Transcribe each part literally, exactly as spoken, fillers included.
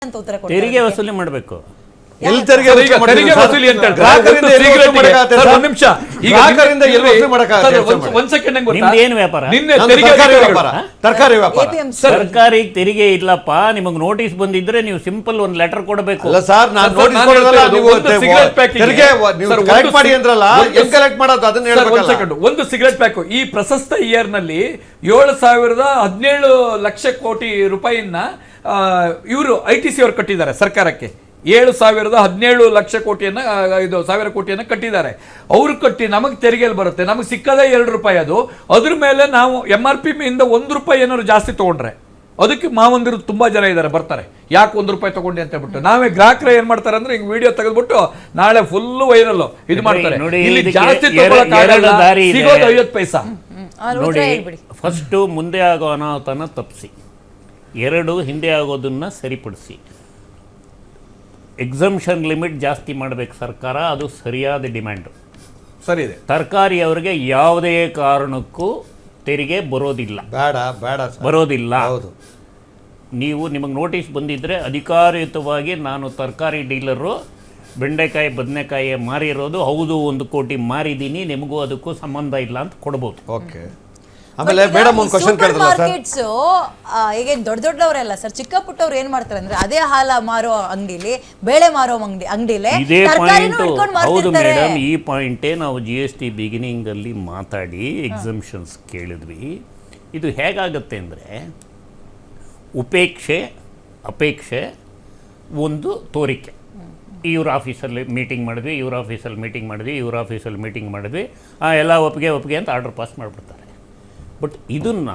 ಅಂತ ಉತ್ತರ ಕೊಡ್ತಾರೆ. ತೆರಿಗೆ ವಸೂಲಿ ಮಾಡಬೇಕು. ಎಲ್ಲಿ ತೆರಿಗೆ ತೆರಿಗೆ ವಸೂಲಿ ಅಂತ ಗ್ರಾಹಕರಿಂದ ಒಂದು ನಿಮಿಷ ಗ್ರಾಹಕರಿಂದ ಎಲ್ಲಿ ವಸೂಲಿ ಮಾಡಕ್ಕಾಗತ್ತೆ? ಒಂದ್ ಸೆಕೆಂಡ್ ನಂಗೆ ಗೊತ್ತಾ? ನಿಮ್ದೇನು ವ್ಯಾಪಾರ? ನಿನ್ನೆ ತೆರಿಗೆ ವ್ಯಾಪಾರ, ತರಕಾರಿ ವ್ಯಾಪಾರ. ಸರ್ಕಾರಿ ತೆರಿಗೆ ಇಲ್ಲಪ್ಪ, ನಿಮಗೆ ನೋಟಿಸ್ ಬಂದಿದ್ರೆ ನೀವು ಸಿಂಪಲ್ ಒಂದು ಲೆಟರ್ ಕೊಡಬೇಕು. ಅಲ್ಲ ಸರ್, ನಾನು ನೋಟಿಸ್ ಕೊಡೋದಲ್ಲ, ನೀವು ತೆರಿಗೆ ನೀವು ಕಲೆಕ್ಟ್ ಮಾಡಿ ಅಂದ್ರಲ್ಲ, ಹೆಂಗ್ ಕಲೆಕ್ಟ್ ಮಾಡೋದು ಅದನ್ನ ಹೇಳ್ಬೇಕಲ್ಲ. ಒಂದ್ ಸೆಕೆಂಡ್, ಒಂದು ಸಿಗರೆಟ್ ಪ್ಯಾಕ್ ಈ ಪ್ರಶಸ್ತ ಇಯರ್ ನಲ್ಲಿ ಏಳು ಸಾವಿರದ ಹದಿನೇಳು ಲಕ್ಷ ಕೋಟಿ ರೂಪಾಯಿನ ಇವರು ಐ ಟಿ ಸಿ ಅವರು ಕಟ್ಟಿದ್ದಾರೆ ಸರ್ಕಾರಕ್ಕೆ. ಏಳು ಸಾವಿರದ ಹದಿನೇಳು ಲಕ್ಷ ಕೋಟಿಯನ್ನ ಇದು ಸಾವಿರ ಕೋಟಿಯನ್ನ ಕಟ್ಟಿದ್ದಾರೆ. ಅವರು ಕಟ್ಟಿ ನಮಗೆ ತೆರಿಗೆಯಲ್ಲಿ ಬರುತ್ತೆ, ನಮಗೆ ಸಿಕ್ಕದೇ ಎರಡು ರೂಪಾಯಿ. ಅದು ಅದ್ರ ಮೇಲೆ ನಾವು ಎಂ ಆರ್ ಪಿ ಇಂದ ಒಂದು ರೂಪಾಯಿ ಏನಾದ್ರು ಜಾಸ್ತಿ ತಗೊಂಡ್ರೆ ಅದಕ್ಕೆ ಮಾವಂದಿರು ತುಂಬಾ ಜನ ಇದ್ದಾರೆ, ಬರ್ತಾರೆ, ಯಾಕೆ ಒಂದು ರೂಪಾಯಿ ತಗೊಂಡಿ ಅಂತ ಹೇಳ್ಬಿಟ್ಟು. ನಾವೇ ಗ್ರಾಹಕರು ಏನ್ ಮಾಡ್ತಾರೆ ಅಂದ್ರೆ ಹಿಂಗ್ ವಿಡಿಯೋ ತೆಗೆದ್ಬಿಟ್ಟು ನಾಳೆ ಫುಲ್ ವೈರಲ್ ಇದು ಮಾಡ್ತಾರೆ. ಇಲ್ಲಿ ಜಾಸ್ತಿ ಸಿಗೋದು ಐವತ್ತು ಪೈಸಾ. ನೋಡಿ, ಫಸ್ಟ್ ಮುಂದೆ ಆಗೋ ಅನಾಹುತನ ತಪ್ಪಿಸಿ, ಎರಡು ಹಿಂದೆ ಆಗೋದನ್ನ ಸರಿಪಡಿಸಿ. ಎಕ್ಸಂಪ್ಷನ್ ಲಿಮಿಟ್ ಜಾಸ್ತಿ ಮಾಡಬೇಕು ಸರ್ಕಾರ, ಅದು ಸರಿಯಾದ ಡಿಮ್ಯಾಂಡು. ಸರಿ ಇದೆ. ತರಕಾರಿ ಅವರಿಗೆ ಯಾವುದೇ ಕಾರಣಕ್ಕೂ ತೆರಿಗೆ ಬರೋದಿಲ್ಲ, ಬೇಡ ಬೇಡ ಬರೋದಿಲ್ಲ. ಹೌದು, ನೀವು ನಿಮಗೆ ನೋಟಿಸ್ ಬಂದಿದ್ದರೆ ಅಧಿಕಾರಯುತವಾಗಿ ನಾನು ತರಕಾರಿ ಡೀಲರು ಬೆಂಡೆಕಾಯಿ ಬದನೆಕಾಯಿ ಮಾರಿರೋದು ಹೌದು, ಒಂದು ಕೋಟಿ ಮಾರಿದ್ದೀನಿ, ನಿಮಗೂ ಅದಕ್ಕೂ ಸಂಬಂಧ ಇಲ್ಲ ಅಂತ ಕೊಡ್ಬೋದು. ಓಕೆ. ಆಮೇಲೆ ಮೇಡಮ್ ಒಂದು ಕ್ವಶನ್ ಕೇಳಿದ್ರಲ್ಲ ಸರ್, ಮಾರ್ಕೆಟ್ಸ್ ಈಗ ದೊಡ್ಡ ದೊಡ್ಡವರೆಲ್ಲ ಸರ್, ಚಿಕ್ಕ ಪುಟ್ಟವ್ರು ಏನ್ ಮಾಡ್ತಾರೆ ಅಂದ್ರೆ ಅದೇ ಹಾಲ ಮಾರೋ ಅಂಗಡಿಲಿ, ಬೇಳೆ ಮಾರೋ ಅಂಗಡಿ ಅಂಗಡಿಲಿ ಇದೇ ಪಾಯಿಂಟ್. ಹೌದು ಮೇಡಮ್, ಈ ಪಾಯಿಂಟೇ ನಾವು ಜಿ ಎಸ್ ಟಿ ಬಿಗಿನಿಂಗ್ ಅಲ್ಲಿ ಮಾತಾಡಿ ಎಕ್ಸಂಪ್ಷನ್ಸ್ ಕೇಳಿದ್ವಿ. ಇದು ಹೇಗಾಗತ್ತೆ ಅಂದರೆ ಉಪೇಕ್ಷೆ ಅಪೇಕ್ಷೆ ಒಂದು ತೋರಿಕೆ. ಇವ್ರ ಆಫೀಸಲ್ಲಿ ಮೀಟಿಂಗ್ ಮಾಡಿದ್ವಿ, ಇವ್ರ ಆಫೀಸಲ್ಲಿ ಮೀಟಿಂಗ್ ಮಾಡಿದ್ವಿ, ಇವ್ರ ಆಫೀಸಲ್ಲಿ ಮೀಟಿಂಗ್ ಮಾಡಿದ್ವಿ, ಎಲ್ಲ ಒಪ್ಪಿಗೆ ಒಪ್ಪಿಗೆ ಅಂತ ಆರ್ಡರ್ ಪಾಸ್ ಮಾಡಿಬಿಡ್ತಾರೆ. ಬಟ್ ಇದನ್ನು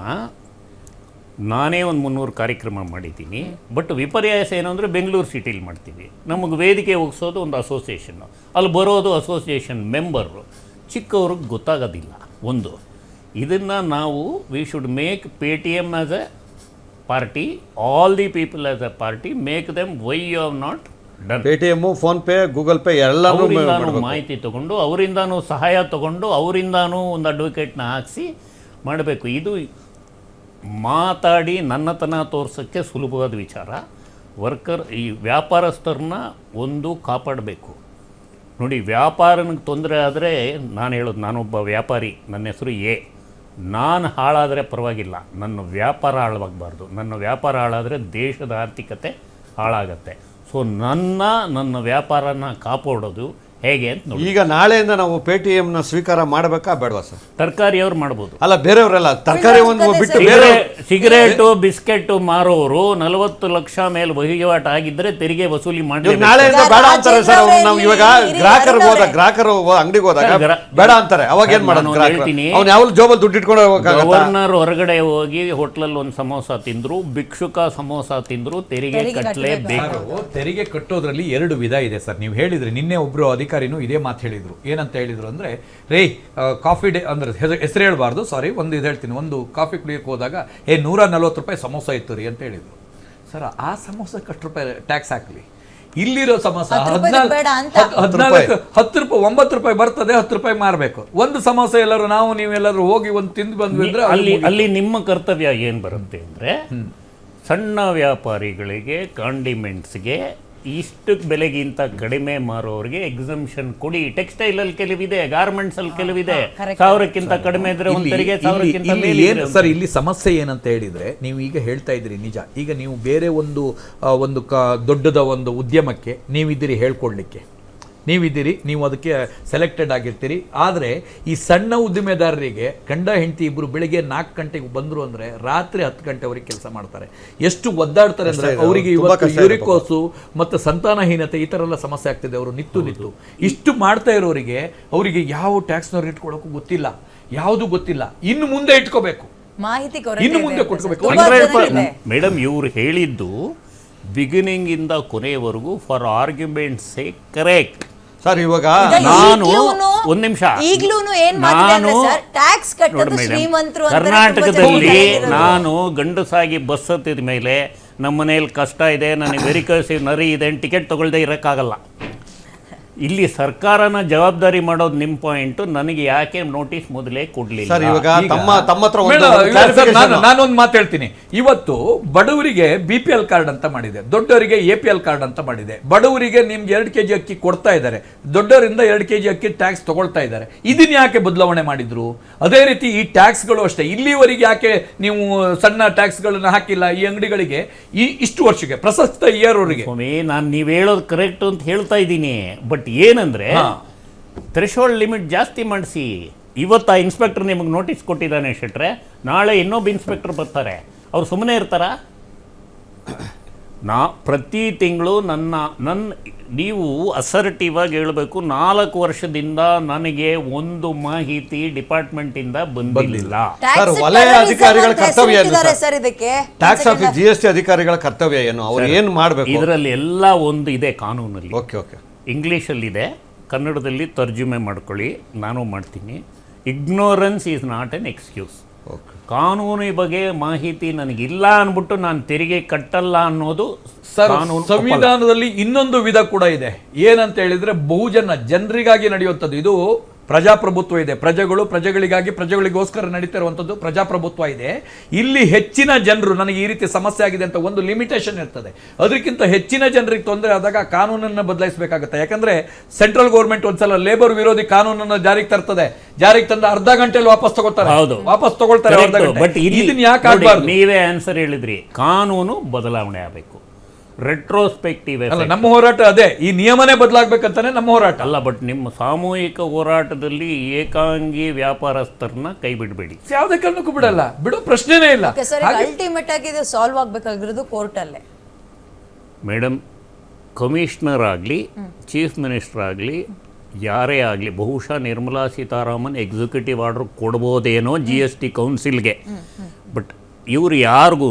ನಾನೇ ಒಂದು ಮುನ್ನೂರು ಕಾರ್ಯಕ್ರಮ ಮಾಡಿದ್ದೀನಿ. ಬಟ್ ವಿಪರ್ಯಾಸ ಏನು ಅಂದರೆ ಬೆಂಗಳೂರು ಸಿಟಿಲಿ ಮಾಡ್ತೀವಿ, ನಮಗೆ ವೇದಿಕೆ ಒಗ್ಸೋದು ಒಂದು ಅಸೋಸಿಯೇಷನ್ನು, ಅಲ್ಲಿ ಬರೋದು ಅಸೋಸಿಯೇಷನ್ ಮೆಂಬರು, ಚಿಕ್ಕವ್ರಿಗೆ ಗೊತ್ತಾಗೋದಿಲ್ಲ. ಒಂದು ಇದನ್ನು ನಾವು we should make Paytm as a party, all the people as a party, make them why you have not done. Paytm, PhonePe, Google Pay ಎಲ್ಲರೂ ಮಾಹಿತಿ ತೊಗೊಂಡು ಅವರಿಂದಾನು ಸಹಾಯ ತೊಗೊಂಡು ಅವರಿಂದಾನು ಒಂದು ಅಡ್ವೊಕೇಟ್ನ ಹಾಕಿಸಿ ಮಾಡಬೇಕು. ಇದು ಮಾತಾಡಿ ನನ್ನತನ ತೋರ್ಸೋಕ್ಕೆ ಸುಲಭವಾದ ವಿಚಾರ. ವರ್ಕರ್ ಈ ವ್ಯಾಪಾರಸ್ಥರನ್ನ ಒಂದು ಕಾಪಾಡಬೇಕು. ನೋಡಿ, ವ್ಯಾಪಾರನಿಗೆ ತೊಂದರೆ ಆದರೆ ನಾನು ಹೇಳೋದು, ನಾನೊಬ್ಬ ವ್ಯಾಪಾರಿ, ನನ್ನ ಹೆಸರು ಎ, ನಾನು ಹಾಳಾದರೆ ಪರವಾಗಿಲ್ಲ, ನನ್ನ ವ್ಯಾಪಾರ ಹಾಳಾಗಬಾರ್ದು. ನನ್ನ ವ್ಯಾಪಾರ ಹಾಳಾದರೆ ದೇಶದ ಆರ್ಥಿಕತೆ ಹಾಳಾಗತ್ತೆ. ಸೊ ನನ್ನ ನನ್ನ ವ್ಯಾಪಾರನ ಕಾಪಾಡೋದು ಹೇಗೆ ಅಂತ ನೋಡಿ. ಈಗ ನಾಳೆಯಿಂದ ನಾವು ಪೇ ಟಿ ಎಮ್ ನ ಸ್ವೀಕಾರ ಮಾಡಬೇಕಾ ಬೇಡವಾ ಸರ್? ತರಕಾರಿ ಅವ್ರು ಮಾಡ್ಬೋದು, ಅಲ್ಲ ಬೇರೆಯವರೆಲ್ಲ ತರಕಾರಿ ಒಂದು ಬಿಟ್ಟು ಬೇರೆ ಸಿಗರೇಟು ಬಿಸ್ಕೆಟ್ ಮಾರೋರು ನಲವತ್ತು ಲಕ್ಷ ಮೇಲೆ ವಹಿವಾಟು ಆಗಿದ್ರೆ ತೆರಿಗೆ ವಸೂಲಿ ಮಾಡಿ. ನಾಳೆಯಿಂದ ಬೇಡ ಅಂತಾರೆ ಸರ್ ಅವ್ರು. ನಾವು ಇವಾಗ ಗ್ರಾಹಕರು ಹೋದ ಗ್ರಾಹಕರು ಅಂಗಡಿಗೆ ಹೋದಾಗ ಬೇಡ ಅಂತಾರೆ, ಅವಾಗ ಏನ್ ಮಾಡೋದು? ಹೇಳ್ತೀನಿ, ಅವ್ನು ಯಾವ ಜೋಬಲ್ಲಿ ದುಡ್ಡು ಇಟ್ಕೊಂಡು ಹೋಗಕ್ಕಾಗಲ್ಲ. ಗವರ್ನರ್ ಹೊರಗಡೆ ಹೋಗಿ ಹೋಟ್ಲಲ್ಲಿ ಒಂದು ಸಮೋಸ ತಿಂದ್ರು, ಭಿಕ್ಷುಕ ಸಮೋಸ ತಿಂದ್ರು, ತೆರಿಗೆ ಕಟ್ಟಲೇಬೇಕು. ತೆರಿಗೆ ಕಟ್ಟೋದ್ರಲ್ಲಿ ಎರಡು ವಿಧ ಇದೆ ಸರ್. ನೀವು ಹೇಳಿದ್ರಿ, ನಿನ್ನೆ ಒಬ್ರು ಅಧಿಕಾರಿನೂ ಇದೇ ಮಾತು ಹೇಳಿದ್ರು. ಏನಂತ ಹೇಳಿದ್ರು ಅಂದ್ರೆ, ರೇ ಕಾಫಿ ಡೇ ಅಂದ್ರೆ ಹೆಸರು ಹೇಳ್ಬಾರ್ದು, ಸಾರಿ, ಒಂದು ಇದು ಹೇಳ್ತೀನಿ, ಒಂದು ಕಾಫಿ ಕುಡಿಯೋಕೆ ಹೋದಾಗ ಏ ನೂರ ನಲ್ವತ್ತು ರೂಪಾಯಿ ಸಮೋಸ ಇತ್ತು ರೀ ಅಂತ ಹೇಳಿದ್ರು. ಸರ್, ಆ ಸಮೋಸಕ್ಕೆ ಅಷ್ಟು ರೂಪಾಯಿ ಟ್ಯಾಕ್ಸ್ ಹಾಕ್ಲಿ, ಇಲ್ಲಿರೋ ಸಮೋಸ ಹದಿನಾಲ್ಕು ಹತ್ತು ರೂಪಾಯಿ ಒಂಬತ್ತು ರೂಪಾಯಿ ಬರ್ತದೆ, ಹತ್ತು ರೂಪಾಯಿ ಮಾರಬೇಕು. ಒಂದು ಸಮೋಸ ಎಲ್ಲರೂ ನಾವು ನೀವೆಲ್ಲರೂ ಹೋಗಿ ಒಂದು ತಿಂದು ಬಂದ್ವಿ ಅಂದ್ರೆ ಅಲ್ಲಿ ಅಲ್ಲಿ ನಿಮ್ಮ ಕರ್ತವ್ಯ ಏನು ಬರುತ್ತೆ ಅಂದರೆ, ಸಣ್ಣ ವ್ಯಾಪಾರಿಗಳಿಗೆ ಕಾಂಡಿಮೆಂಟ್ಸ್ಗೆ ಇಷ್ಟು ಬೆಲೆಗಿಂತ ಕಡಿಮೆ ಮಾರೋರಿಗೆ ಎಕ್ಸಂಪ್ಷನ್ ಕೊಡಿ. ಟೆಕ್ಸ್ಟೈಲ್ ಅಲ್ಲಿ ಕೆಲವಿದೆ, ಗಾರ್ಮೆಂಟ್ಸ್ ಅಲ್ಲಿ ಕೆಲವಿದೆ, ಸಾವಿರಕ್ಕಿಂತ ಕಡಿಮೆ ಇದ್ರೆ ಒಂದು ತೆರಿಗೆ, ಸಾವಿರಕ್ಕಿಂತ ಮೇಲೆ. ಸರ್, ಇಲ್ಲಿ ಸಮಸ್ಯೆ ಏನಂತ ಹೇಳಿದ್ರೆ, ನೀವು ಈಗ ಹೇಳ್ತಾ ಇದ್ರಿ ನಿಜ. ಈಗ ನೀವು ಬೇರೆ ಒಂದು ಒಂದು ದೊಡ್ಡದ ಒಂದು ಉದ್ಯಮಕ್ಕೆ ನೀವಿದ್ದೀರಿ ಹೇಳ್ಕೊಡ್ಲಿಕ್ಕೆ, ನೀವಿದ್ದೀರಿ, ನೀವು ಅದಕ್ಕೆ ಸೆಲೆಕ್ಟೆಡ್ ಆಗಿರ್ತೀರಿ. ಆದರೆ ಈ ಸಣ್ಣ ಉದ್ದಿಮೆದಾರರಿಗೆ ಗಂಡ ಹೆಂಡತಿ ಇಬ್ಬರು ಬೆಳಿಗ್ಗೆ ನಾಲ್ಕು ಗಂಟೆಗೆ ಬಂದರು ಅಂದರೆ ರಾತ್ರಿ ಹತ್ತು ಗಂಟೆವರೆಗೆ ಕೆಲಸ ಮಾಡ್ತಾರೆ. ಎಷ್ಟು ಒದ್ದಾಡ್ತಾರೆ ಅಂದರೆ ಅವರಿಗೆ ಇವತ್ತು ಯೂರಿಕೋಸು ಮತ್ತು ಸಂತಾನಹೀನತೆ ಈ ಥರ ಎಲ್ಲ ಸಮಸ್ಯೆ ಆಗ್ತಿದೆ. ಅವರು ನಿತ್ತು ನಿತ್ತು ಇಷ್ಟು ಮಾಡ್ತಾ ಇರೋರಿಗೆ ಅವರಿಗೆ ಯಾವ ಟ್ಯಾಕ್ಸ್ನವ್ರು ಇಟ್ಕೊಳ್ಳೋಕ್ಕೂ ಗೊತ್ತಿಲ್ಲ, ಯಾವುದು ಗೊತ್ತಿಲ್ಲ. ಇನ್ನು ಮುಂದೆ ಇಟ್ಕೋಬೇಕು, ಮಾಹಿತಿ ಇನ್ನು ಮುಂದೆ ಕೊಟ್ಕೋಬೇಕು. ಮೇಡಮ್, ಇವ್ರು ಹೇಳಿದ್ದು ಬಿಗಿನಿಂಗ್ ಇಂದ ಕೊನೆಯವರೆಗೂ for arguments say correct sir. ಇವಾಗ ನಾನು ಒಂದು ನಿಮಿಷ, ನಾನು ಕರ್ನಾಟಕದಲ್ಲಿ ನಾನು ಗಂಡಸಾಗಿ ಬಸ್ ಹತ್ತಿದ ಮೇಲೆ ನಮ್ಮ ಮನೇಲಿ ಕಷ್ಟ ಇದೆ, ನನಗೆ ವೆರಿಕಲ್ಸಿವ್ ನರಿ ಇದೆ, ಟಿಕೆಟ್ ತಗೊಳ್ದೆ ಇರೋಕ್ಕಾಗಲ್ಲ. ಇಲ್ಲಿ ಸರ್ಕಾರನ ಜವಾಬ್ದಾರಿ ಮಾಡೋದು ನಿಮ್ಮ ಪಾಯಿಂಟ್. ನನಗೆ ಯಾಕೆ ನೋಟಿಸ್ ಮೊದಲೇ ಕೊಡ್ಲಿಲ್ಲ? ಸರ್ ಇವಾಗ ಈಗ- ತಮ್ಮ ತಮ್ಮ ಹತ್ರ ಒಂದು ಮೇಡಮ್, ಇಲ್ಲ ಸರ್, clarification. ನಾನು ನಾನೊಂದು ಮಾತು ಹೇಳ್ತೀನಿ. ಇವತ್ತು ಬಡವರಿಗೆ ಬಿ ಪಿ ಎಲ್ ಕಾರ್ಡ್ ಅಂತ ಮಾಡಿದೆ, ದೊಡ್ಡವರಿಗೆ ಎ ಪಿ ಎಲ್ ಕಾರ್ಡ್ ಅಂತ ಮಾಡಿದೆ. ಬಡವರಿಗೆ ನಿಮ್ಗೆ ಎರಡು ಕೆಜಿ ಅಕ್ಕಿ ಕೊಡ್ತಾ ಇದ್ದಾರೆ, ದೊಡ್ಡವರಿಂದ ಎರಡು ಕೆಜಿ ಅಕ್ಕಿ ಟ್ಯಾಕ್ಸ್ ತಗೊಳ್ತಾ ಇದ್ದಾರೆ. ಇದನ್ನ ಯಾಕೆ ಬದಲಾವಣೆ ಮಾಡಿದ್ರು? ಅದೇ ರೀತಿ ಈ ಟ್ಯಾಕ್ಸ್ಗಳು ಅಷ್ಟೇ, ಇಲ್ಲಿವರೆಗೆ ಯಾಕೆ ನೀವು ಸಣ್ಣ ಟ್ಯಾಕ್ಸ್ಗಳನ್ನ ಹಾಕಿಲ್ಲ ಈ ಅಂಗಡಿಗಳಿಗೆ ಈ ಇಷ್ಟು ವರ್ಷಕ್ಕೆ ಪ್ರಸಕ್ತ ಇಯರ್ ಅವರಿಗೆ? ಸ್ವಾಮಿ, ನಾನು ನೀವು ಹೇಳೋದು ಕರೆಕ್ಟ್ ಅಂತ ಹೇಳ್ತಾ ಇದ್ದೀನಿ. ಬಟ್ ಏನಂದ್ರೆ ಥ್ರೆಶೋಲ್ಡ್ ಲಿಮಿಟ್ ಜಾಸ್ತಿ ಮಾಡಿಸಿ. ಇವತ್ತು ಆ ಇನ್ಸ್ಪೆಕ್ಟರ್ ನಿಮಗೆ ನೋಟಿಸ್ ಕೊಟ್ಟಿದ್ದಾನೆ ಶೆಟ್ರೆ, ನಾಳೆ ಇನ್ನೊಬ್ಬ ಇನ್ಸ್ಪೆಕ್ಟರ್ ಬರ್ತಾರೆ, ಅವ್ರು ಸುಮ್ಮನೆ ಇರ್ತಾರಾ? ನಾ ಪ್ರತಿ ತಿಂಗಳು ನನ್ನ ನನ್ನ ನೀವು ಅಸರ್ಟಿವ್ ಆಗಿ ಹೇಳಬೇಕು, ನಾಲ್ಕು ವರ್ಷದಿಂದ ನನಗೆ ಒಂದು ಮಾಹಿತಿ ಡಿಪಾರ್ಟ್ಮೆಂಟಿಂದ ಬಂದಿಲ್ಲ. ಸರ್, ವಲಯ ಅಧಿಕಾರಿಗಳ ಕರ್ತವ್ಯ ಏನು ಸರ್? ಸರ್ ಇದಕ್ಕೆ tax office G S T ಅಧಿಕಾರಿಗಳ ಕರ್ತವ್ಯ ಏನು? ಅವ್ರು ಏನು ಮಾಡಬೇಕು? ಇದರಲ್ಲಿ ಎಲ್ಲ ಒಂದು ಇದೆ ಕಾನೂನಲ್ಲಿ. ಓಕೆ ಓಕೆ ಇಂಗ್ಲೀಷಲ್ಲಿದೆ, ಕನ್ನಡದಲ್ಲಿ ತರ್ಜುಮೆ ಮಾಡ್ಕೊಳ್ಳಿ, ನಾನು ಮಾಡ್ತೀನಿ. Ignorance is not an excuse. ಕಾನೂನಿ ಬಗ್ಗೆ ಮಾಹಿತಿ ನನಗಿಲ್ಲ ಅಂದ್ಬಿಟ್ಟು ನಾನು ತೆರಿಗೆ ಕಟ್ಟಲ್ಲ ಅನ್ನೋದು ಸರ್, ಕಾನೂನು ಒಪ್ಪಲ್ಲ. ಸಂವಿಧಾನದಲ್ಲಿ ಇನ್ನೊಂದು ವಿಧ ಕೂಡ ಇದೆ. ಏನಂತ ಹೇಳಿದ್ರೆ ಬಹುಜನ ಜನರಿಗಾಗಿ ನಡೆಯುವಂಥದ್ದು. ಇದು ಪ್ರಜಾಪ್ರಭುತ್ವ ಇದೆ, ಪ್ರಜೆಗಳು ಪ್ರಜೆಗಳಿಗಾಗಿ ಪ್ರಜೆಗಳಿಗೋಸ್ಕರ ನಡೀತಿರುವಂಥದ್ದು ಪ್ರಜಾಪ್ರಭುತ್ವ ಇದೆ. ಇಲ್ಲಿ ಹೆಚ್ಚಿನ ಜನರು ನನಗೆ ಈ ರೀತಿ ಸಮಸ್ಯೆ ಆಗಿದೆ ಅಂತ ಒಂದು ಲಿಮಿಟೇಷನ್ ಇರ್ತದೆ. ಅದಕ್ಕಿಂತ ಹೆಚ್ಚಿನ ಜನರಿಗೆ ತೊಂದರೆ ಆದಾಗ ಕಾನೂನನ್ನು ಬದಲಾಯಿಸಬೇಕಾಗುತ್ತೆ. ಯಾಕಂದ್ರೆ ಸೆಂಟ್ರಲ್ ಗೌರ್ಮೆಂಟ್ ಒಂದ್ಸಲ ಲೇಬರ್ ವಿರೋಧಿ ಕಾನೂನನ್ನು ಜಾರಿಗೆ ತರ್ತದೆ, ಜಾರಿಗೆ ತಂದ ಅರ್ಧ ಗಂಟೆಯಲ್ಲಿ ವಾಪಸ್ ತಗೊಳ್ತಾರೆ, ಹೌದು, ವಾಪಸ್ ತಗೊಳ್ತಾರೆ ಅರ್ಧ ಗಂಟೆ. ಬಟ್ ಇದನ್ನ ಯಾಕೆ ನೋಡಿ, ಆಗಬಾರ್ದು? ನೀವೇ ಆನ್ಸರ್ ಹೇಳಿದ್ರಿ, ಕಾನೂನು ಬದಲಾವಣೆ ಆಗಬೇಕು. ರೆಟ್ರೋಸ್ಪೆಕ್ಟಿವ್ ಅಲ್ಲ, ನಮ್ಮ ಹೋರಾಟ ಅದೇ, ಈ ನಿಯಮನೇ ಬದಲಾಗಬೇಕಂತಾನೆ ನಮ್ಮ ಹೋರಾಟ. ಅಲ್ಲ, ಬಟ್ ನಿಮ್ಮ ಸಾಮೂಹಿಕ ಹೋರಾಟದಲ್ಲಿ ಏಕಾಂಗಿ ವ್ಯಾಪಾರಸ್ಥರನ್ನ ಕೈ ಬಿಡಬೇಡಿ. ಯಾವುದೇ ಕಾರಣಕ್ಕೂ ಬಿಡಲ್ಲ, ಬಿಡೋ ಪ್ರಶ್ನೆನೇ ಇಲ್ಲ. ಅಲ್ಟಿಮೇಟ್ ಆಗಿ ಇದು ಸಾಲ್ವ್ ಆಗ್ಬೇಕಾಗಿರೋದು ಕೋರ್ಟ್ ಅಲ್ಲೇ. ಮೇಡಮ್, ಕಮಿಷನರ್ ಆಗಲಿ ಚೀಫ್ ಮಿನಿಸ್ಟರ್ ಆಗಲಿ ಯಾರೇ ಆಗಲಿ, ಬಹುಶಃ ನಿರ್ಮಲಾ ಸೀತಾರಾಮನ್ ಎಕ್ಸಿಕ್ಯೂಟಿವ್ ಆರ್ಡರ್ ಕೊಡ್ಬೋದೇನೋ ಜಿ ಎಸ್ ಟಿ ಕೌನ್ಸಿಲ್ಗೆ. ಬಟ್ ಇವ್ರು ಯಾರಿಗೂ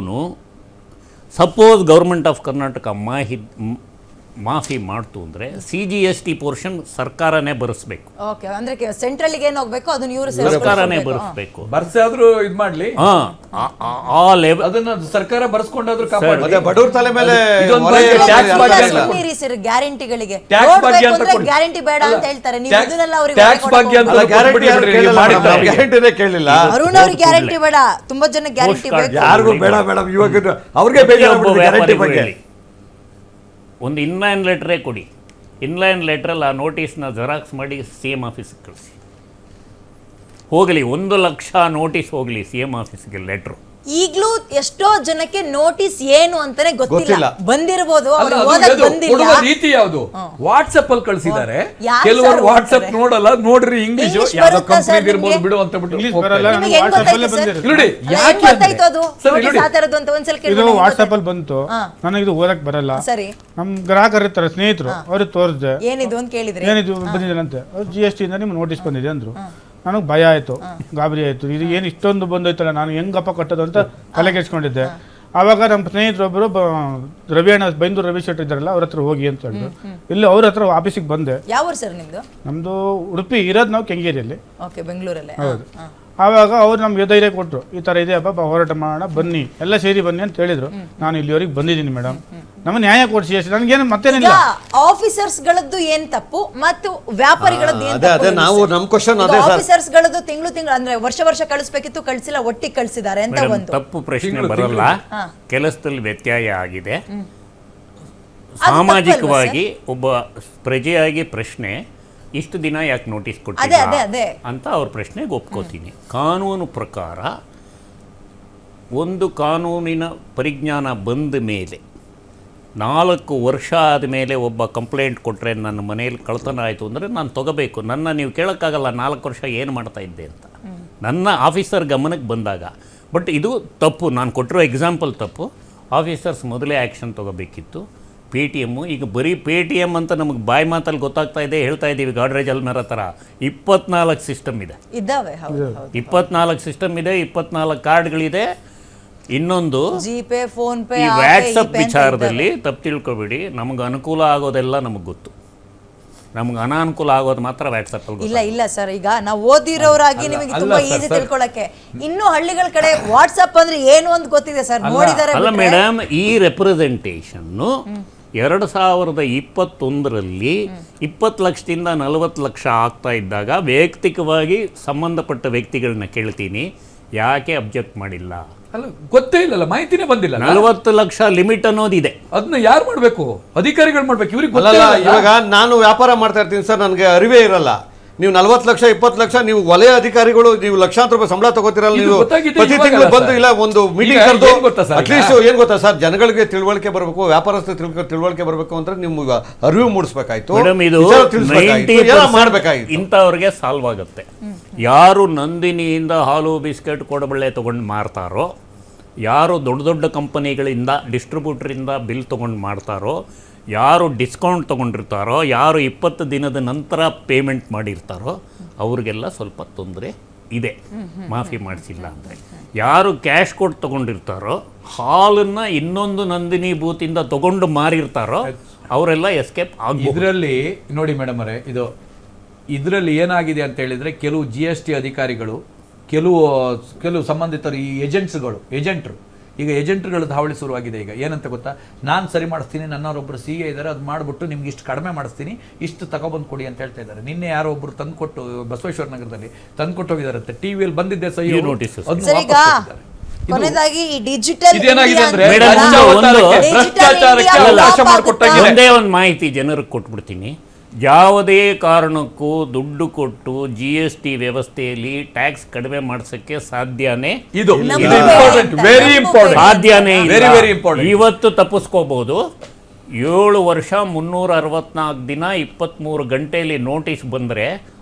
ಸಪೋಸ್ ಗೌರ್ಮೆಂಟ್ ಆಫ್ ಕರ್ನಾಟಕ ಮಾಹಿ ಮಾಫಿ ಮಾಡ್ತು ಅಂದರೆ C G S T portion ಸರ್ಕಾರನೇ ಭರಿಸ್ಬೇಕು. ಓಕೆ, ಅಂದ್ರೆ ಸೆಂಟ್ರಲ್ಗೆ ಏನು ಹೋಗ್ಬೇಕು ಅದನ್ನ ಇವರು ಸರ್ಕಾರನೇ ಭರಿಸ್ಬೇಕು. ಬರ್ಸೆ ಆದ್ರೂ ಇದ್ ಮಾಡ್ಲಿ, ಹಾಂ, ಆ ಲೆವೆಲ್ ಅದನ್ನ ಸರ್ಕಾರ ಬರ್ಸ್ಕೊಂಡಾದ್ರೂ ಕಾಪಾಡಿ. ಅದೇ ಬಡವ್ರ ತಲೆ ಮೇಲೆ ಇದೊಂದು ಹೊರೆ ಬಗ್ಗೆ ಟ್ಯಾಕ್ಸ್ ಹಾಕಿ ಬಗ್ಗೆ ಅಲ್ಲ. ಸರ್ ಗ್ಯಾರಂಟಿಗಳಿಗೆ ಟ್ಯಾಕ್ಸ್ ಬಗ್ಗೆ ಅಂತ ಕೊಡಿ. ಗ್ಯಾರಂಟಿ ಬೇಡ ಅಂತ ಹೇಳ್ತಾರೆ, ನೀವು ಟ್ಯಾಕ್ಸ್- ಇದನ್ನೆಲ್ಲ ಅವ್ರಿಗೆ ಟ್ಯಾಕ್ಸ್ ಬಗ್ಗೆ ಅಂತ ಅಲ್ಲ, ಗ್ಯಾರಂಟಿ ಯಾರು ಕೊಟ್ಬಿಡಿ, ಕೇಳಿಲ್ಲ, ಮಾಡಿದ್ದಾರೆ. ನಾವು ಗ್ಯಾರಂಟಿನೇ ಕೇಳಿಲ್ಲ. ಅರುಣ್ ಅವ್ರಿಗೆ ಗ್ಯಾರಂಟಿ ಬೇಡ, ತುಂಬಾ ಜನ ಗ್ಯಾರಂಟಿ Postcard ಬೇಕು. ಯಾರಿಗೂ ಬೇಡ ಮೇಡಮ್, ಇವಾಗ ಅವ್ರಿಗೆ ಬೇಜಾರು ಗ್ಯಾರಂಟಿ ಬಗ್ಗೆ. ಒಂದು ಇನ್ಲೈನ್ ಲೆಟ್ರೇ ಕೊಡಿ, ಇನ್ಲೈನ್ ಲೆಟ್ರಲ್ಲಿ ಆ ನೋಟಿಸ್ನ ಜೆರಾಕ್ಸ್ ಮಾಡಿ ಸಿ ಎಮ್ ಆಫೀಸ್ಗೆ ಕಳಿಸಿ. ಹೋಗಲಿ, ಒಂದು ಲಕ್ಷ ನೋಟಿಸ್ ಹೋಗಲಿ ಸಿ ಎಮ್ ಆಫೀಸ್ಗೆ ಲೆಟ್ರು. ಈಗ್ಲೂ ಎಷ್ಟೋ ಜನಕ್ಕೆ ನೋಟಿಸ್ ಏನು ಅಂತಾನೆ ಗೊತ್ತಿಲ್ಲ. ಗೊತ್ತಿಲ್ಲ. ಬಂದಿರಬಹುದು, ಅಲ್ಲ, ಅವ್ರು ಅದು ಓದಕ್ ಯಾವ್ದು? ಬಂದಿಲ್ಲ. ಕೊಡುವ ರೀತಿ ಯಾವುದು? ವಾಟ್ಸ್ಆಪ್ ಅಲ್ಲಿ ಕಳಿಸಿದ್ದಾರೆ, ಯಾರು ಕೆಲವರು ಸರ್ ವಾಟ್ಸ್ಆಪ್ ಓದ್ತಾರೆ? ನೋಡಲ್ಲ, ನೋಡ್ರಿ ಇಂಗ್ಲಿಷ್ English ಯಾವ್ದೋ ಬರುತ್ತಾ ಸರ್ ಕಂಪನಿ ಇರ್ಬೋದು ನಿಮ್ಗೆ? ಬಿಡು ಅಂತ ಬಿಟ್ಟು ಇಂಗ್ಲಿಷ್ ಹೋಗ್ತಾರೆ. ಬರಲ್ಲ, ನಿಮಗೆ ಹೆಂಗ್ ವಾಟ್ಸ್ಆಪ್ ಅಲ್ಲೇ ಗೊತ್ತಾಯ್ತು ಸರ್? ಬಂದಿರುತ್ತೆ. ನೋಡಿ, ಅಲ್ಲ, ಯಾಕೆ ಹೆಂಗ್ ಗೊತ್ತಾಯ್ತು ಅದು? ಸರ್, ನೋಟಿಸ್ ನೋಡಿ. ಆ ಥರದ್ದು ಅಂತ ಒಂದ್ಸಲ ಇದು ಕೇಳ್ಬಿಡಿ, ಹೆಂಗ್ ವಾಟ್ಸ್ಆಪ್ ಅಲ್ಲಿ ಗೊತ್ತಾಯ್ತು? ಬಂತು, ಹಾ. ನನಗೆ ಇದು ಓದಕ್ ಬರಲ್ಲ. ಸರಿ, ನಮ್ ಗ್ರಾಹಕರು ಇರ್ತಾರೆ, ಸ್ನೇಹಿತರು, ಅವ್ರಿಗೆ ತೋರಿಸ್ದೆ, ಏನಿದು ಅಂತ ಕೇಳಿದ್ರಿ. ಏನಿದು ಬಂದಿದೆ ಅವ್ರು ಜಿ ಎಸ್ ಟಿ ಇಂದ ನಿಮ್ಗೆ ನೋಟಿಸ್ ಬಂದಿದೆ ಅಂದ್ರು. ನನಗೆ ಭಯ ಆಯ್ತು, ಗಾಬರಿ ಆಯ್ತು, ಇದು ಏನು ಇಷ್ಟೊಂದು ಬಂದೋಯ್ತಲ್ಲ, ನಾನು ಹೆಂಗಪ್ಪ ಕಟ್ಟೋದು ಅಂತ ತಲೆ ಕೆಡ್ಸ್ಕೊಂಡಿದ್ದೆ. ಆವಾಗ ನಮ್ಮ ಸ್ನೇಹಿತರೊಬ್ಬರು ರವಿ ಅಣ್ಣ, ಬೈಂದೂರು ರವಿ ಶೆಟ್ಟಿ ಇದ್ದಾರಲ್ಲ, ಅವ್ರ ಹತ್ರ ಹೋಗಿ ಅಂತ ಹೇಳಿದ್ರು. ಇಲ್ಲಿ ಅವ್ರ ಹತ್ರ ಆಫೀಸಿಗೆ ಬಂದೆ. ಯಾವ ಊರು ಸರ್ ನಿಮ್ದು? ನಮ್ದು ಉಡುಪಿ, ಇರೋದು ನಾವು ಕೆಂಗೇರಿಯಲ್ಲಿ. ಓಕೆ, ಬೆಂಗಳೂರಲ್ಲೇ. ಹೌದು. ಆವಾಗ ಅವ್ರು ನಮ್ಗೆ ಧೈರ್ಯ ಕೊಟ್ಟರು, ಈ ಥರ ಇದೆ ಅಪ್ಪ, ಹೋರಾಟ ಮಾಡೋಣ ಬನ್ನಿ, ಎಲ್ಲ ಸೇರಿ ಬನ್ನಿ ಅಂತ ಹೇಳಿದ್ರು. ನಾನು ಇಲ್ಲಿವರೆಗೆ ಬಂದಿದ್ದೀನಿ ಮೇಡಮ್, ನಮ್ಮ ನ್ಯಾಯ ಕೊಡಿಸಿ ಅಷ್ಟೇ, ನನಗೇನು ಮತ್ತೇನಿಲ್ಲ. ಆಫೀಸರ್ಸ್ ಗಳದ್ದು ಏನ್ ತಪ್ಪು ಮತ್ತು ವ್ಯಾಪಾರಿಗಳದ್ದು ಏನ್ ಅದೇ ಅದೇ ನಾವು ನಮ್ಮ ಕ್ವಶನ್ ಅದೇ ಸರ್. ಆಫೀಸರ್ಸ್ ಗಳದ್ದು ತಿಂಗಳು ತಿಂಗಳು ಅಂದ್ರೆ ವರ್ಷ ವರ್ಷ ಕಳಿಸ್ಬೇಕಿತ್ತು, ಕಳಿಸಿಲ್ಲ, ಒಟ್ಟಿಗೆ ಕಳಿಸಿದ್ದಾರೆ ಅಂತ ಮೇಡಮ್, ಒಂದು ತಪ್ಪು ಪ್ರಶ್ನೆ ತಿಂಗಳು, ಬರಲ್ಲ, ಹಾ. ಕೆಲಸದಲ್ಲಿ ವ್ಯತ್ಯಯ ಆಗಿದೆ. ತಪ್ಪಲ್ವಾ ಸಾಮಾಜಿಕವಾಗಿ ಒಬ್ಬ ಪ್ರಜೆಯಾಗಿ ಪ್ರಶ್ನೆ, ಇಷ್ಟು ದಿನ ಯಾಕೆ ನೋಟಿಸ್ ಅದೇ, ಕೊಟ್ಟಿಲ್ಲ ಅದೇ, ಅದೇ. ಅಂತ ಅವ್ರ ಪ್ರಶ್ನೆಗೆ ಒಪ್ಕೋತೀನಿ. ಕಾನೂನು ಪ್ರಕಾರ ಒಂದು ಕಾನೂನಿನ ಪರಿಜ್ಞಾನ ಬಂದ ಮೇಲೆ ನಾಲ್ಕು ವರ್ಷ ಆದಮೇಲೆ ಒಬ್ಬ ಕಂಪ್ಲೇಂಟ್ ಕೊಟ್ಟರೆ ನನ್ನ ಮನೆಯಲ್ಲಿ ಕಳ್ತನ ಆಯಿತು ಅಂದರೆ ನಾನು ತೊಗೋಬೇಕು. ನನ್ನ ನೀವು ಕೇಳೋಕ್ಕಾಗಲ್ಲ ನಾಲ್ಕು ವರ್ಷ ಏನು ಮಾಡ್ತಾ ಇದ್ದೆ ಅಂತ, ನನ್ನ ಆಫೀಸರ್ ಗಮನಕ್ಕೆ ಬಂದಾಗ. ಬಟ್ ಇದು ತಪ್ಪು, ನಾನು ಕೊಟ್ಟಿರೋ ಎಕ್ಸಾಂಪಲ್ ತಪ್ಪು. ಆಫೀಸರ್ಸ್ ಮೊದಲೇ ಆ್ಯಕ್ಷನ್ ತೊಗೋಬೇಕಿತ್ತು. ಪೇ ಟಿ ಎಮ್ಮು ಈಗ ಬರೀ ಪೇ ಟಿ ಎಮ್ ಅಂತ ನಮಗೆ ಬಾಯಿ ಮಾತಲ್ಲಿ ಗೊತ್ತಾಗ್ತಾ ಇದೆ, ಹೇಳ್ತಾ ಇದ್ದೀವಿ ಗಾಡ್ರೇಜ್ ಅಲ್ಮೇರ ಥರ. ಇಪ್ಪತ್ನಾಲ್ಕು ಸಿಸ್ಟಮ್ ಇದೆ, ಇದ್ದಾವೆ. ಹೌದು, ಹೌದು. ಇಪ್ಪತ್ನಾಲ್ಕು ಸಿಸ್ಟಮ್ ಇದೆ, ಇಪ್ಪತ್ನಾಲ್ಕು ಕಾರ್ಡ್ಗಳಿದೆ. ಇನ್ನೊಂದು ಜಿಪೇ, ಫೋನ್ ಪೇ, ಈ ವ್ಯಾಟ್ಸಪ್ ವಿಚಾರದಲ್ಲಿ ತಪ್ಪು ತಿಳ್ಕೊಬೇಡಿ, ನಮಗೆ ಅನುಕೂಲ ಆಗೋದೆಲ್ಲ ನಮಗೆ ಗೊತ್ತು, ನಮ್ಗೆ ಅನಾನುಕೂಲ ಆಗೋದು ಮಾತ್ರ ವ್ಯಾಟ್ಸಪ್ ಅಲ್ಲಿ. ಇಲ್ಲ ಇಲ್ಲ ಸರ್, ಈಗ ನಾವು ಓದಿರೋರಾಗಿ ನಿಮಗೆ ತುಂಬಾ ಈಸಿ ತಿಳ್ಕೊಳಕ್ಕೆ. ಇನ್ನು ಹಳ್ಳಿಗಳ ಕಡೆ ವಾಟ್ಸ್ಆಪ್ ಅಂದ್ರೆ ಏನು ಅಂತ ಗೊತ್ತಿದೆ ಸರ್, ನೋಡಿದ್ದಾರೆ. ಅಲ್ಲ ಮೇಡಮ್, ಈ ರೆಪ್ರೆಸೆಂಟೇಷನ್ನು ಎರಡು ಸಾವಿರದ ಇಪ್ಪತ್ತೊಂದರಲ್ಲಿ ಇಪ್ಪತ್ತು ಲಕ್ಷದಿಂದ ನಲವತ್ತು ಲಕ್ಷ ಆಗ್ತಾ ಇದ್ದಾಗ ವೈಯಕ್ತಿಕವಾಗಿ ಸಂಬಂಧಪಟ್ಟ ವ್ಯಕ್ತಿಗಳನ್ನ ಕೇಳ್ತೀನಿ, ಯಾಕೆ ಅಬ್ಜೆಕ್ಟ್ ಮಾಡಿಲ್ಲ? ಅಲ್ಲ, ಗೊತ್ತೇ ಇಲ್ಲಲ್ಲ, ಮಾಹಿತಿನೇ ಬಂದಿಲ್ಲ. ನಲವತ್ತು ಲಕ್ಷ ಲಿಮಿಟ್ ಅನ್ನೋದಿದೆ, ಅದನ್ನ ಯಾರು ಮಾಡ್ಬೇಕು? ಅಧಿಕಾರಿಗಳು ಮಾಡ್ಬೇಕು. ಇವ್ರಿಗೆ ಅಲ್ಲಲ್ಲ, ಇವಾಗ ನಾನು ವ್ಯಾಪಾರ ಮಾಡ್ತಾ ಇರ್ತೀನಿ ಸರ್, ನನಗೆ ಅರಿವೇ ಇರಲ್ಲ. ನೀವು ನಲ್ವತ್ತು ಲಕ್ಷ ಇಪ್ಪತ್ತು ಲಕ್ಷ ನೀವು ವಲಯ ಅಧಿಕಾರಿಗಳು ನೀವು ಲಕ್ಷಾಂತರ ರೂಪಾಯಿ ಸಂಬಳ ತಗೋತಿರಲ್ಲ. ನೀವು ಪ್ರತಿ ತಿಂಗಳು ಬಂದು ಇಲ್ಲ ಒಂದು ಮೀಟಿಂಗ್ ಕರೆದು ಅಟ್ಲೀಸ್ಟ್ ಏನ್ ಗೊತ್ತಾ ಸರ್, ಜನಗಳಿಗೆ ತಿಳುವಳಿಕೆ ಬರಬೇಕು, ವ್ಯಾಪಾರಸ್ಥರು ತಿಳುವಳಿಕೆ ಬರಬೇಕು ಅಂದ್ರೆ ನಿಮ್ಗೆ ಅರಿವು ಮೂಡಿಸ್ಬೇಕಾಯ್ತು, ಮಾಡ್ಬೇಕಾಯ್ತು. ಇಂಥವ್ರಿಗೆ ಸಾಲ್ವ್ ಆಗುತ್ತೆ. ಯಾರು ನಂದಿನಿಯಿಂದ ಹಾಲು ಬಿಸ್ಕೆಟ್ ಕೋಡಬಳ್ಳೆ ತಗೊಂಡು ಮಾರ್ತಾರೋ, ಯಾರು ದೊಡ್ಡ ದೊಡ್ಡ ಕಂಪನಿಗಳಿಂದ ಡಿಸ್ಟ್ರಿಬ್ಯೂಟ್ರಿಂದ ಬಿಲ್ ತೊಗೊಂಡು ಮಾಡ್ತಾರೋ, ಯಾರು ಡಿಸ್ಕೌಂಟ್ ತೊಗೊಂಡಿರ್ತಾರೋ, ಯಾರು ಇಪ್ಪತ್ತು ದಿನದ ನಂತರ ಪೇಮೆಂಟ್ ಮಾಡಿರ್ತಾರೋ ಅವ್ರಿಗೆಲ್ಲ ಸ್ವಲ್ಪ ತೊಂದರೆ ಇದೆ, ಮಾಫಿ ಮಾಡಿಸಿಲ್ಲ ಅಂದರೆ. ಯಾರು ಕ್ಯಾಶ್ ಕೊಟ್ಟು ತೊಗೊಂಡಿರ್ತಾರೋ, ಹಾಲನ್ನು ಇನ್ನೊಂದು ನಂದಿನಿ ಬೂತಿಂದ ತೊಗೊಂಡು ಮಾರಿರ್ತಾರೋ ಅವರೆಲ್ಲ ಎಸ್ಕೇಪ್ ಆಗಿ. ಇದರಲ್ಲಿ ನೋಡಿ ಮೇಡಮ್ ಅವರೇ, ಇದು ಇದರಲ್ಲಿ ಏನಾಗಿದೆ ಅಂತ ಹೇಳಿದರೆ, ಕೆಲವು ಜಿ ಎಸ್ ಟಿ ಅಧಿಕಾರಿಗಳು, ಕೆಲವು ಕೆಲವು ಸಂಬಂಧಿತರು, ಈ ಏಜೆಂಟ್ಸ್ಗಳು ಏಜೆಂಟ್ರು ಈಗ ಏಜೆಂಟ್ಗಳ ಹಾವಳಿ ಶುರುವಾಗಿದೆ. ಈಗ ಏನಂತ ಗೊತ್ತಾ, ನಾನು ಸರಿ ಮಾಡಿಸ್ತೀನಿ, ನನ್ನವರೊಬ್ಬರು ಸಿ ಎ ಇದ್ದಾರೆ, ಅದು ಮಾಡಿಬಿಟ್ಟು ನಿಮ್ಗೆ ಇಷ್ಟು ಕಡಿಮೆ ಮಾಡಿಸ್ತೀನಿ, ಇಷ್ಟು ತಗೊಬಂದು ಕೊಡಿ ಅಂತ ಹೇಳ್ತಾ ಇದ್ದಾರೆ. ನಿನ್ನೆ ಯಾರೋ ಒಬ್ಬರು ತಂದುಕೊಟ್ಟು ಬಸವೇಶ್ವರ ನಗರದಲ್ಲಿ ತಂದುಕೊಟ್ಟು ಹೋಗಿದಾರಂತೆ, ಟಿ ವಿಯಲ್ಲಿ ಬಂದಿದ್ದೆ ಸಹಿ ನೋಟಿಸ್. ಕೊನೆಯದಾಗಿ ಈ ಡಿಜಿಟಲ್ ಇದೇನಾಗಿದೆ ಅಂದ್ರೆ ಒಂದೇ ಒಂದು ಮಾಹಿತಿ ಜನರಿಗೆ ಕೊಟ್ಬಿಡ್ತೀನಿ. ಯಾವುದೇ ಕಾರಣಕ್ಕೂ ದುಡ್ಡು ಕೊಟ್ಟು ಜಿ ಎಸ್ ಟಿ ವ್ಯವಸ್ಥೆಯಲ್ಲಿ ಟ್ಯಾಕ್ಸ್ ಕಡಿಮೆ ಮಾಡಿಸಕ್ಕೆ ಸಾಧ್ಯನೇ ಇದು ವೆರಿ ಇಂಪಾರ್ಟೆಂಟ್ ಸಾಧ್ಯನೇ ವೆರಿ ವೆರಿ ಇಂಪಾರ್ಟೆಂಟ್. ಇವತ್ತು ತಪ್ಪಿಸ್ಕೋಬಹುದು. ಏಳು ವರ್ಷ ಮುನ್ನೂರ ಅರವತ್ನಾಲ್ಕು ದಿನ ಇಪ್ಪತ್ತ್ಮೂರು ಗಂಟೆಯಲ್ಲಿ ನೋಟಿಸ್ ಬಂದರೆ